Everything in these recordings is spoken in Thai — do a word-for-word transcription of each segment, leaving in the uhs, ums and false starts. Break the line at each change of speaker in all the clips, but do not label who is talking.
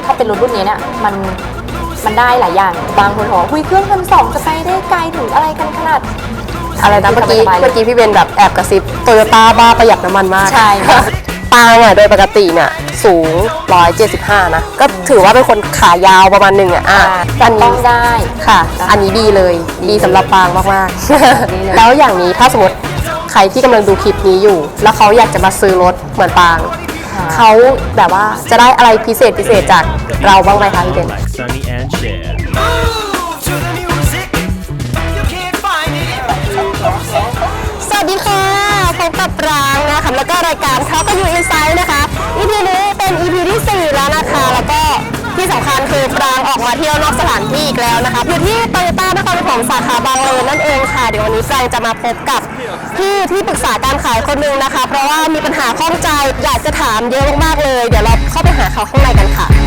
ถ้าเป็นรถรุ่นนี้เนี่ยมันมันได้หลายอย่างบางคนบอกคุยเครื่องพันสองจะไปได้ไกลถึงอะไรกันขนาด
อะไรนะเมื่อกี้เมื่อกี้พี่เบนแบบแอบกระซิบโตโยต้าบ้าประหยัดน้ำมันมาก
ใช่ค่ะ
ปางอ่ะโดยปกติเนี่ยสูงหนึ่งร้อยเจ็ดสิบห้านะก็ถือว่าเป็นคนขายาวประมาณหนึ่งอ่ะอ่ะ
อันนี้ต้องได้
ค่ะอันนี้ดีเลยดีสำหรับปางมากๆแล้วอย่างนี้ถ้าสมมติใครที่กำลังดูคลิปนี้อยู่แล้วเขาอยากจะมาซื้อรถเหมือนปางเขาแบบว่าจะได้อะไรพิเศษพิเศษจากเราบ้างไหมคะพี่เบนสวัสดีค่ะพบกับปรางนะคะแล้วก็รายการเขาก็อยู่อินไซด์นะคะ อี พี นี้เป็น อี พี ที่สี่แล้วนะคะแล้วก็ที่สำคัญคือปรางออกมาเที่ยวนอกสถานที่อีกแล้วนะคะอยู่ที่โตโยต้านครปฐมสาขาบางเลนนั่นเองค่ะเดี๋ยววันนี้ปรางจะมาพบกับพี่ที่ปรึกษาการขายคนหนึ่งนะคะเพราะว่ามีปัญหาข้องใจอยากจะถามเยอะมากๆเลยเดี๋ยวเราเข้าไปหาเขาข้างในกันค่ะ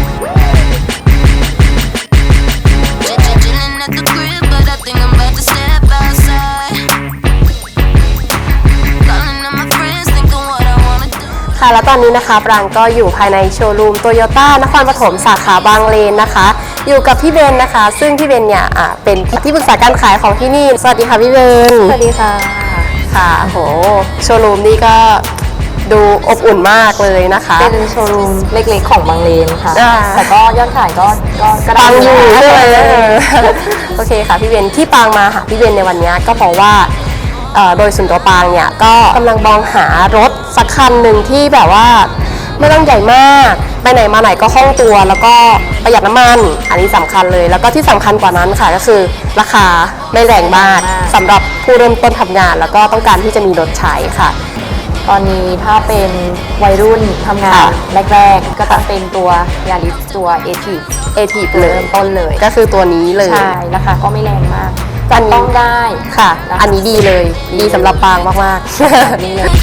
ค่ะแล้วตอนนี้นะคะปรางก็อยู่ภายในโชว์รูมโตโยต้านครปฐมสาขาบางเลนนะคะอยู่กับพี่เบนนะคะซึ่งพี่เบนเนี่ยเป็นที่ปรึกษาการขายของที่นี่สวัสดีค่ะพี่เบน
สวัสดีค่ะ
ค่ะโหโชว์รูมนี่ก็ดูอบอุ่นมากเลยนะคะ
เป็นโชว์รูมเล็กๆของบางเลนค่ะแต่ก็ยอดขายก็ก็กระดัง
อยู่เลยโอเคค่ะพี่เบนที่ปางมาหาพี่เบนในวันนี้ก็เพราะว่าโดยส่วนตัวปางเนี่ยก็กำลังมองหารถสักคันหนึ่งที่แบบว่าไม่ต้องใหญ่มากไปไหนมาไหนก็คล่องตัวแล้วก็ประหยัดน้ำมันอันนี้สำคัญเลยแล้วก็ที่สำคัญกว่านั้นค่ะก็คือราคาไม่แรงมากสำหรับผู้เริ่มต้นทำงานแล้วก็ต้องการที่จะมีรถใช้ค่ะ
ตอนนี้ถ้าเป็นวัยรุ่นทำงานแรกๆก็จะเป็นตัวยาริสตัวเอที
เอทีเริ่
มต้นเลย
ก็คือตัวนี้เลย
ใช่ราคาก็ไม่แรงมากจันต้องได้
ค่ะอันนี้ดีเลยดีสำหรับปางมากๆนี่เลย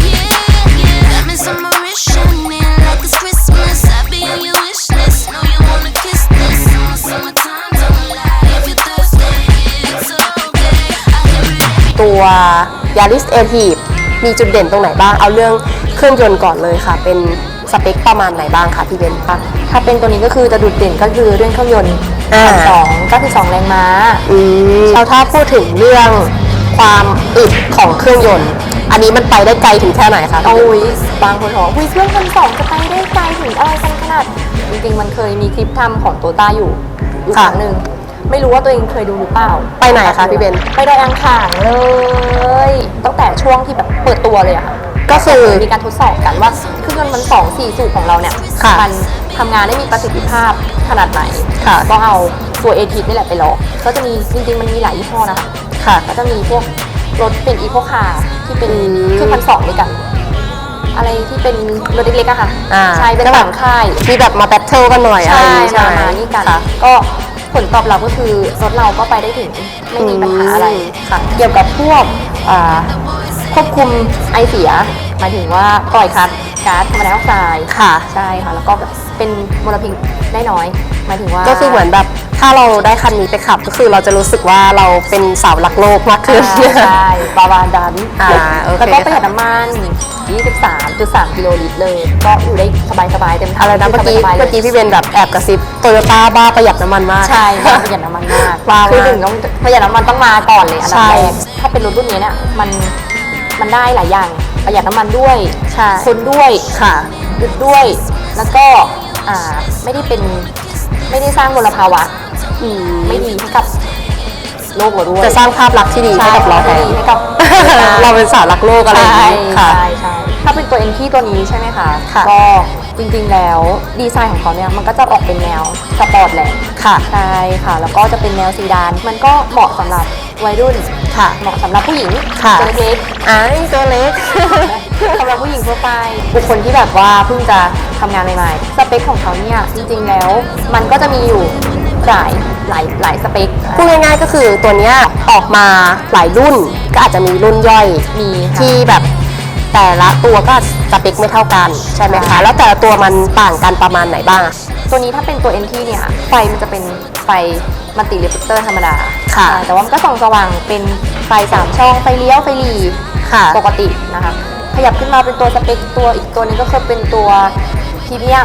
ตัวยาริสเอทีฟมีจุดเด่นตรงไหนบ้างเอาเรื่องเครื่องยนต์ก่อนเลยค่ะเป็นสเปคประมาณไหนบ้างคะพี่เบนคะ
ถ้าเป็นตัวนี้ก็คือจะดุดเด่นก็คือเรื่องเครื่องยนต์พันสองก็คือสองแรงม้า
อืมเราถ้าพูดถึงเรื่องความอึดของเครื่องยนต์อันนี้มันไปได้ไกลถึงแค่ไหนคะ
โอ้ยบางคนบอกคุยเครื่องพันสองจะไปได้ไกลถึงอะไรกันขนาดจริงๆมันเคยมีคลิปทำของโตต้าอยู่อีกครั้งหนึ่งไม่รู้ว่าตัวเองเคยดูหรือเปล่า
ไปไหนคะพี่เบน
ไปดอยอ่างขางเลยตั้งแต่ช่วงที่แบบเปิดตัวเลยอะค่ะ
ก็คือ
มีการทดสอบกันว่าเครื่องยนต์มันสองสี่สูบของเราเนี่ยมันทำงานได้มีประสิทธิภาพขนาดไหนก็เอาตัวเอทีนี่แหละไปลองก็จะมีจริงๆมันมีหลายยี่ห้อนะคะ
ค่ะ
ก็จะมีพวกรถเป็นอีโคคาร์ที่เป็นเครื่องพันสองด้วยกันอะไรที่เป็นรถเล็กๆอะค่ะใช่เป็นต่างค่าย
ที่แบบมาแบทเทิลกันหน่อย
ใช่ใช่มานี่กันก็ผลตอบรับก็คือรถเราก็ไปได้ถึงไม่มีปัญหาอะไรค่ะเกี่ยวกับพวกควบคุมไอเสียหมายถึงว่าปล่อยคัสก๊าซคาร์บอนไดออกไซด์
ค่ะ
ใช่ค่ะแล้วก็เป็นมลพิษได้น้อยหมายถึงว่า
ก็คือเหมือนแบบถ้าเราได้คันนี้ไปขับก็คือเราจะรู้สึกว่าเราเป็นสาวรักโลกมากขึ้น
ใช่ประมาณนั้นแล้วก็ประหยัดน้ำมัน ยี่สิบสามจุดสาม กิโลลิตรเลยก็อยู่ได้สบายๆเต็มที่
อะไรนะเมื่อกี้เมื่อกี้พี่เบนแบบแอบกระซิบโตโยต้าบ้าประหยัดน้ำมันมาก
ใช่ประหยัดน้ำมันมากคือหนึ่งต้องประหยัดน้ำมันต้องมาก่อนเลยอันดับแรกถ้าเป็นรถรุ่นนี้เนี่ยมันมันได้หลายอย่างประหยัดน้ำมันด้วยคนด้วย
ค่ะ
หยุดด้วยแล้วก็อ่าไม่ได้เป็นไม่ได้สร้างมลภาวะไม่ดีให้กับโลกเราด้วย
จะสร้างภาพลักษณ์ที่ดีให้กับเราแทน
ให้กับ
เราเป็นสาวรักโลกอะไรอย่างนี้
ค่ะใช่ใช่ถ้าเป็นตัวเอ็นที่ตัวนี้ใช่ไหมคะก็จริงๆแล้วดีไซน์ของเขาเนี่ยมันก็จะออกเป็นแนวสปอร์ตแหละ
ค่ะ
ใช่ค่ะแล้วก็จะเป็นแนวซีดานมันก็เหมาะสำหรับวัยรุ่น
ค่ะ
เหมาะสำหรับผู้หญิง
ตัวเล็ก
อ่าตัวเล็กสำหรับผู้หญิงทั่วไปบุคคลที่แบบว่าเพิ่งจะทำงานใหม่ๆสเปคของเขาเนี่ยจริงๆแล้วมันก็จะมีอยู่หลายหลายหลายสเปค
พูดง่ายๆก็คือตัวเนี้ยออกมาหลายรุ่นก็อาจจะมีรุ่นย่อย
มี
ที่แบบแต่ละตัวก็สเปคไม่เท่ากันใช่ไหมคะแล้วแต่ละตัวมันต่างกันประมาณไหนบ้าง
ตัวนี้ถ้าเป็นตัว เอ็น ที เนี่ยไฟมันจะเป็นไฟมัลติเรฟเลคเตอร์ธรรมดา
ค่ะ
แต่ว่ามันก็ส่องสว่างเป็นไฟสามช่องไฟเลี้ยวไฟหลี
ค่ะ
ปกตินะคะขยับขึ้นมาเป็นตัวสเปคตัวอีกตัวนึงก็คือเป็นตัวพรีเมียม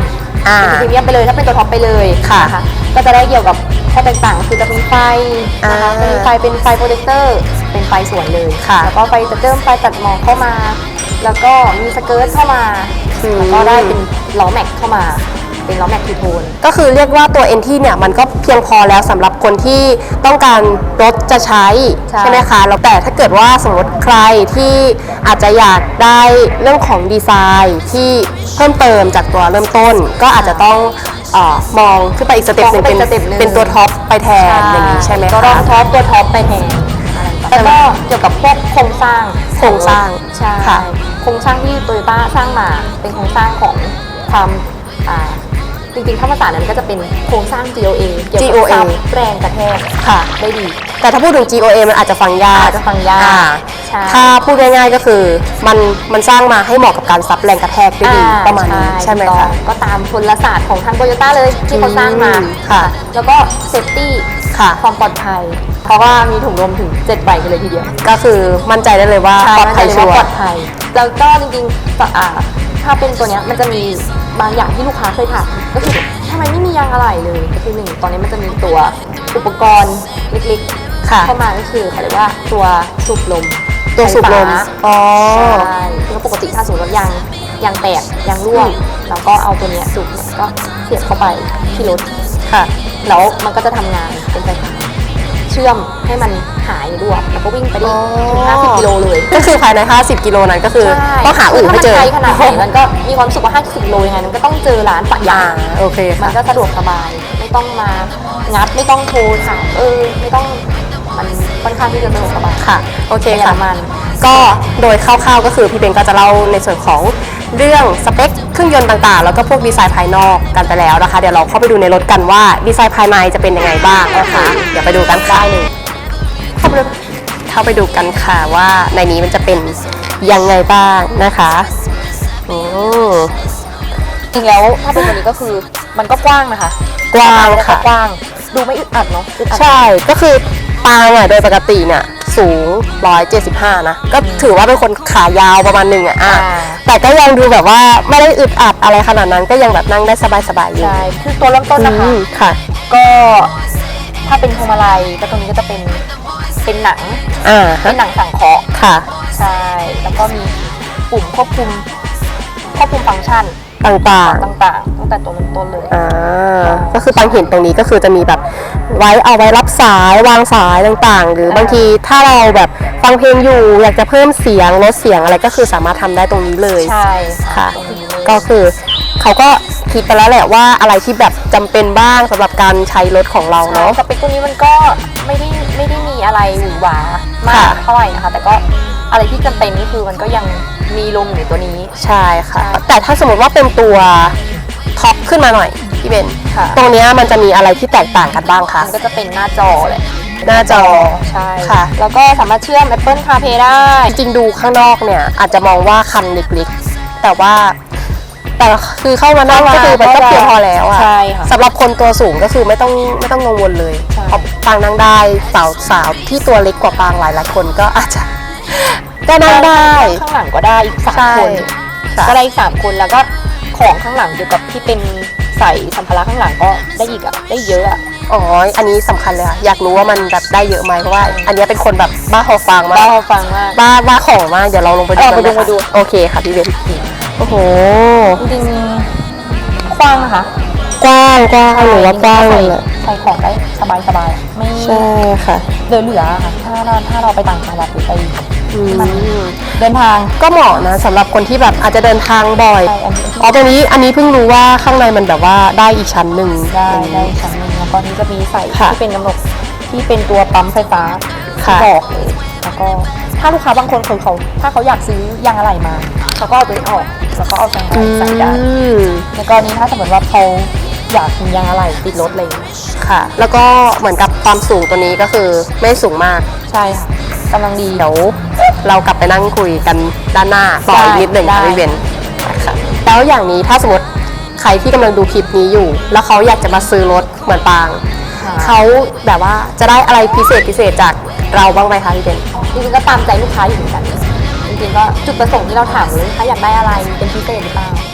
อ่า
เป็นพรีเมียมไปเลยถ้าเป็นตัวท็อปไปเลย
ค่ะ
นก็จะได้เกี่ยวกับข้อแตกต่างคือจะมีไฟนะคะ
อ่า
จะมีไฟเป็นไฟโปรเจคเตอร์เป็นไฟสวนเลย
ค่ะ
แล้วก็ไฟตัดเติมไฟตัดหมอกเข้ามา แล้วก็มีสเกิร์ตเข้ามา
อืม
แล้วก็ได้เป็นล้อแม็กเข้ามาเป็นล้อแม็กทูโทน
ก็คือเรียกว่าตัว เอ็น ที เนี่ยมันก็เพียงพอแล้วสำหรับคนที่ต้องการรถจะใช้
ใช่
ใช่ไหมคะแล้วแต่ถ้าเกิดว่าสมมติใครที่อาจจะอยากได้เรื่องของดีไซน์ที่เพิ่มเติมจากตัวเริ่มต้น ก็อาจจะต้องเออมองขึ้นไปอีกสเต็ปหนึ่งเป็น
มองขึ้นไปอีกสเต็ปหนึ่ง
เป็นตัวท็อปไปแทนอย่างนี้ใช่ไหม
ก็
คะ
ต้องท็อปตัวท็อปไปแทนแล้วก็เกี่ยวกับพวกโครงสร้าง
โครงสร้าง
ใช่
ค่ะ
โครงสร้างที่โตโยต้าสร้างมาเป็นโครงสร้างของความอ่าจริงๆถ้าภาษานั้นก็จะเป็นโครงสร้าง จี โอ เอ เกี่ยว
จี
กับ
โอ เอ
ซับแรงกระแทก
ค่ะ
ได้ดี
แต่ถ้าพูดถึง จี โอ เอ มันอาจจะฟังยาก
อาจจะฟังยาก
อ่
ใช่
ถ้าพูดง่ายๆก็คือมันมันสร้างมาให้เหมาะกับการซับแรงกระแทกได้ดี
อ่
ประมาณนี้ใช่ไหม
ถูกต้
คะ
องก็ตามพลศาสตร์ของทางโตโยต้าเลยที่เขาสร้างมา
อืมค่ะ
แล้วก็เซฟตี้
ค่ะ
ความปลอดภัย เพราะว่ามีถุงลมถึงเจ็ดใบกันเลยทีเดียว
ก็คือมั่นใจได้เลยว่า
ใช่
ปลอดภัย
มั่นใจ
ชั
เล
ว
ว่าปลอ
ร์
ดภัย แล้วก็จริงๆต่ออ่าถ้าเป็นตัวเนี้ยมันจะมีบางอย่างที่ลูกค้าเคยถามก็คือทำไมไม่มียางอะไหล่เลยก็คือหนึ่งตอนนี้มันจะมีตัวอุปกรณ์เล็ก
ค่ะ
ๆเข้ามาก็คือเขาเรียกว่าตัวสูบลม
ตัวสูบลม
ไฟฟ้า
อ๋อ
ใช่แล้วปกติถ้าสมมติว่ายางยางแตกยางรั่ว
อืม
เราก็เอาตัวเนี้ยสูบเนี่ยก็เสียบเข้าไปที่รถ
ค่ะ
แล้วมันก็จะทำงานเป็นไฟฟ้าเชื่อมให้มันหายรั่วแล้วก็วิ่งไปได้ถึงห้าสิบกิโลเลย
ก็คือภายในห้าสิบกิโลนั้นก็คือ
ใช่
ต้องหาอู่ให้เจอ
ถ้ามันไกลขนาดไหนมันก็มีความรู้สึกว่าห้าสิบโลยังไงมันก็ต้องเจอร้านปะยา
อ่าง โอเค
มัน
ค่ะ
ก็สะดวกสบาย ไม่ต้องมางัดไม่ต้องโทรถามเออไม่ต้องมันค่อนข้างที่จะสะดวกสบาย
ค่ะ โอเค
ประหยัด
ค่ะ
น้ำมัน
ก็โดยคร่าวๆก็คือพี่เบนก็จะเล่าในส่วนของเรื่องสเปคเครื่องยนต์ต่างๆ แล้วก็พวกดีไซน์ภายนอกกันไปแล้วนะคะ เดี๋ยวเราเข้าไปดูในรถกันว่าดีไซน์ภายในจะเป็นยังไงบ้างนะคะ เดี๋ยวไปดูกันค่ะเข้าไปดูเข้าไปดูกันค่ะว่าในนี้มันจะเป็นยังไงบ้างนะคะอืม
จริงแล้วถ้าเป็นตัวนี้ก็คือมันก็กว้างนะคะ
กว้างค่ะ
กว้างดูไม่อึดอัดเนาะอึดอัด
ใช่ ก็คือปางอ่ะโดยปกติเนี่ยสูงหนึ่งร้อยเจ็ดสิบห้านะ ก็ถือว่าเป็นคนขายาวประมาณหนึ่งอ่ะอ่ะ
อ่า
แต่ก็ยังดูแบบว่าไม่ได้อึดอัดอะไรขนาดนั้น ก็ยังแบบนั่งได้สบายๆอยู่
ใช่คือตัวเริ่มต้นนะคะ
อืมค่ะ
ก็ถ้าเป็นพวงมาลัยก็ตรงนี้ก็จะเป็นเป็นหนัง
อ่า
เป็นหนังสังเคราะห์
ค่ะ
ใช่แล้วก็มีปุ่มควบคุมควบคุมฟังก์ชัน
ต่างๆ
ต่างๆตั้งแต่ตัวเริ่มต้นเลย
อ่า ก็คือปังเห็นตรงนี้ก็คือจะมีแบบไว้เอาไว้รับสายวางสายต่างๆ หรือบางทีถ้าเราแบบฟังเพลงอยู่ อยากจะเพิ่มเสียงลดเสียงอะไรก็คือสามารถทำได้ตรงนี้เลย
ใช่
ค่ะ
ตรงนี้เลย
ก็คือเขาก็คิดไปแล้วแหละว่าอะไรที่แบบจำเป็นบ้างสำหรับการใช้รถของเรา
ใช่
เนาะ
สเปคตัวนี้มันก็ไม่ได้ไม่ได้มีอะไรหวือหวามาก
ค่ะ
เท่าไหร่นะคะแต่ก็อะไรที่จำเป็นนี่คือมันก็ยังมีลงอยู่ในตัวนี้
ใช่ค่ะ แต่ถ้าสมมติว่าเป็นตัวท็อปขึ้นมาหน่อยพี่เบน
ค่ะ
ตรงเนี้ยมันจะมีอะไรที่แตกต่างกันบ้างคะ
มันก็จะเป็นหน้าจอแหละ
หน้าจอ
ใช่
ค่ะ
แล้วก็สามารถเชื่อม Apple CarPlay ได้
จริงๆดูข้างนอกเนี่ยอาจจะมองว่าคันเล็กๆแต่ว่าแต่คือเข้ามานั่งก็คือมันก็เพียงพอแล้วอะ
ใช่ค่ะ
สำหรับคนตัวสูงก็คือไม่ต้องไม่ต้องกังวลเลย
ใช่
เพราะปางนั่งได้สาวสาวที่ตัวเล็กกว่าปางหลายหลายๆคนก็อาจจะก็นั่งได้
ข้างหลังก็ได้อีกสาม
ใช่
คน
ค่ะ
ก็ได้อีกสามคนแล้วก็ของข้างหลังเกี่ยวกับที่เป็นใส่สัมภาระข้างหลังก็ได้อีกอะได้เยอะอะ
อ๋อ อันนี้สำคัญเลยค่ะ อยากรู้ว่ามันแบบได้เยอะไหมเพราะว่า อันนี้เป็นคนแบบบ้าหอฟังมา
บ้าก ฟังมาก
บ้าบ้าของมาก เดี๋ยวเราลงไปดู
เออ
กัน
ไปดู
นะคะ
ไปดู
โอเคค่ะพี่เบนโอ้โห
จริงๆกว้างนะคะ
กว้างกว้างหนูว่ากว้างเลยแหละ
ใส่ของได้สบายสบายๆไม่
ใช่ค่ะ
เหลือเหลือๆค่ะถ้าเราถ้าเราไปต่างจังหวัดหรือไป
อืม
มันเดินทาง
ก็เหมาะนะสำหรับคนที่แบบอาจจะเดินทางบ่อย
ใช่อันนี้
อ๋อตรงนี้อันนี้เพิ่งรู้ว่าข้างในมันแบบว่าได้อีกชั้นหนึ่ง
ได้ได้ชั้นหนึงแล้วก็นี้จะมีใส่
ค่ะ
ที่เป็นกำหนดที่เป็นตัวปั๊มไฟฟ้า
ค่ะ
ที่บอกเลยแล้วก็ถ้าลูกค้าบางคนคนเขาถ้าเขาอยากซื้อยางอะไหล่มาเขาก็เอาตัวนี้ออกแล้วก็เอายางอะไหล่ใส่ได้
อืม
ในกรณีถ้าสมมติว่าเขาอยากมียางอะไหล่ติดรถอะไรอย่างเงี้ย
ค่ะ แล้วก็เหมือนกับความสูงตัวนี้ก็คือไม่สูงมาก
ใช่ค่ะกำลังดี
เดี๋ยวเรากลับไปนั่งคุยกันด้านหน้าต่ออีกนิดหนึ่งค่ะ
ได้
พี่เบนค่ะแล้วอย่างนี้ถ้าสมมติใครที่กำลังดูคลิปนี้อยู่ แล้วเขาอยากจะมาซื้อรถเหมือนปาง เขาแบบว่าจะได้อะไรพิเศษพิเศษจากเราบ้างไหมคะพี่เบน
จริงๆก็ตามใจลูกค้าอยู่เหมือนกันจริงๆก็จุดประสงค์ที่เราถามเลยลูกค้าอยากได้อะไรเป็นพิเศษหรือเปล่า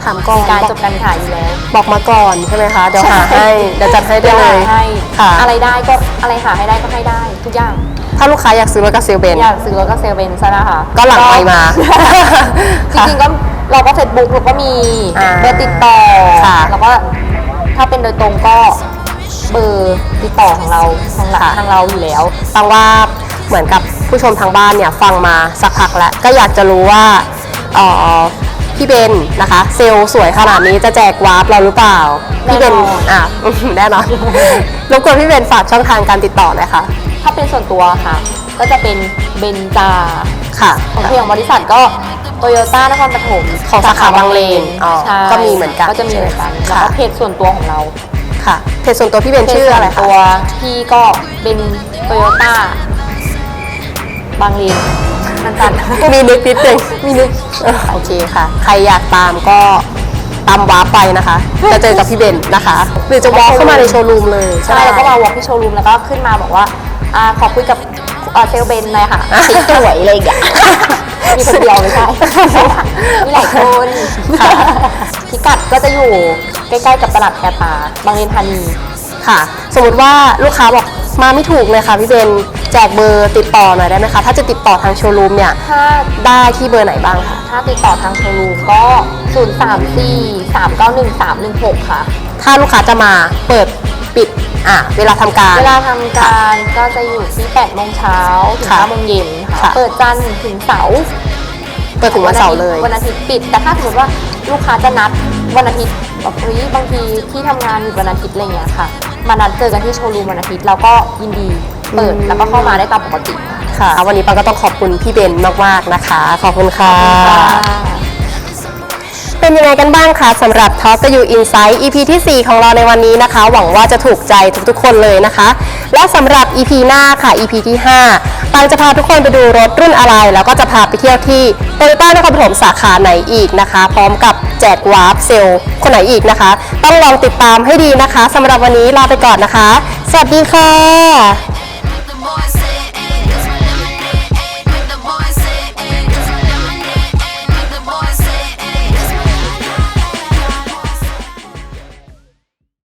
ถามก่อน
มีการ
บอก
จบการขายอยู่แล้ว
บอกมาก่อนใช่ไหมคะเดี๋ยวหาให้เดี๋ยวจัดให้ได้
เดี๋ยว
เล
หาย ให้
ค่ะ
อะไรได้ก็อะไรหาให้ได้ก็ให้ได้ทุกอย่าง
ถ้าลูกค้าอยากซื้อรถกับเซลเบน
อยากซื้อรถก็เซลเบนซะนะคะ
ก็หลังไมค์มา
จริงๆก็เราก็เฟซบุ๊กเราก็มี
อ่า
เบอร์ติดต่อ
ค่ะ
แล้วก็ถ้าเป็นโดยตรงก็เบอร์ติดต่อของเราทางหลัก
ค่ะ
ทางเราอยู่แล้ว
ฟังว่าเหมือนกับผู้ชมทางบ้านเนี่ยฟังมาสักพักแล้วก็อยากจะรู้ว่าเอ่อพี่เบนนะคะ เซลล์สวยขนาดนี้จะแจกวาร์ปเราหรือเปล่าพี่เบน
แน่นอน
อ่ะ แน่นอน รบกวนพี่เบนฝากช่องทางการติดต่อหน่อยค่ะ
ถ้าเป็นส่วนตัวค่ะ ก็จะเป็นเบนจา
ค่ะ
ของที่ของบริษัทก็โตโยต้านครปฐม
ของสาขาบางเลนอ๋อ
ใช่
ก็มีเหมือนกัน
ก็จะมีเหมือนกัน
ใช่ไหม
แล้ว
ค่ะ
ก็เพจส่วนตัวของเรา
ค่ะเพจส่วนตัวพี่เบนชื่ออะไร
เพจส่วน
คะ
ตัวพี่ก็เป็นโตโยต้าบางเลนสั้นๆ
มีนึกนิดนึง
มีนึก
โอเคค่ะ ใครอยากตามก็ตามวาร์ปไปนะคะ จะเจอกับพี่เบนนะคะ หรือจะวอล์กเข้ามาในโชว์รูมเลย
ใช่แล้วก็มาวอล์กที่โชว์รูมแล้วก็ขึ้นมาบอกว่าอ่าขอคุยกับเอ่อเซลเบนหน่อยค่ะสีสวยอะไรอย่างเงี้ยมีคนเดียวไม่ใช่มีหลายคน
ค่ะ
พิกัดก็จะอยู่ใกล้ๆกับตลาดแคตาบางเลนธานี
ค่ะ สมมติว่าลูกค้าบอกมาไม่ถูกเลยค่ะพี่เบนแจกเบอร์ติดต่อหน่อยได้ไหมคะ ถ้าจะติดต่อทางโชว์รูมเนี่ย
ถ้า
ได้ที่เบอร์ไหนบ้างคะ
ถ้าติดต่อทางโชว์รูมก็ ศูนย์ สาม สี่ สาม เก้า หนึ่ง สาม หนึ่ง หก ค่ะ
ถ้าลูกค้าจะมาเปิดปิดอ่ะเวลาทำการ
เวลาทำการก็จะอยู่ที่แปดโมงเช้าถึง
ค่ะ
ห้าโมงเย็นค่ะ
ค่ะ
เปิดจันทร์ถึงเสาร์
เปิดถึงวันเสาร์เลย
วันอาทิตย์ปิด แต่ถ้าสมมติว่าลูกค้าจะนัดวันอาทิตย์แบบเฮ้ยบางทีที่ทำงานอยู่วันอาทิตย์อะไรเงี้ยค่ะ มานัดเจอกันที่โชว์รูมวันอาทิตย์เราก็ยินดีเปิด
อืม
แล้วก็เข้ามาได้ตามปกติ
ค่ะ วันนี้ปังก็ต้องขอบคุณพี่เบนมากๆนะคะ ขอบคุณค่ะ เป็นยังไงกันบ้างคะสำหรับ Talk to You Insight อี พี ที่ สี่ ของเราในวันนี้นะคะ หวังว่าจะถูกใจทุกๆคนเลยนะคะ และสำหรับ อี พี หน้าค่ะ อี พี ที่ ห้า ปังจะพาทุกคนไปดูรถรุ่นอะไร แล้วก็จะพาไปเที่ยวที่โตโยต้านครปฐมสาขาไหนอีกนะคะ พร้อมกับแจกวาร์ปเซลล์คนไหนอีกนะคะ ต้องลองติดตามให้ดีนะคะสำหรับวันนี้ลาไปก่อนนะคะ สวัสดีค่ะ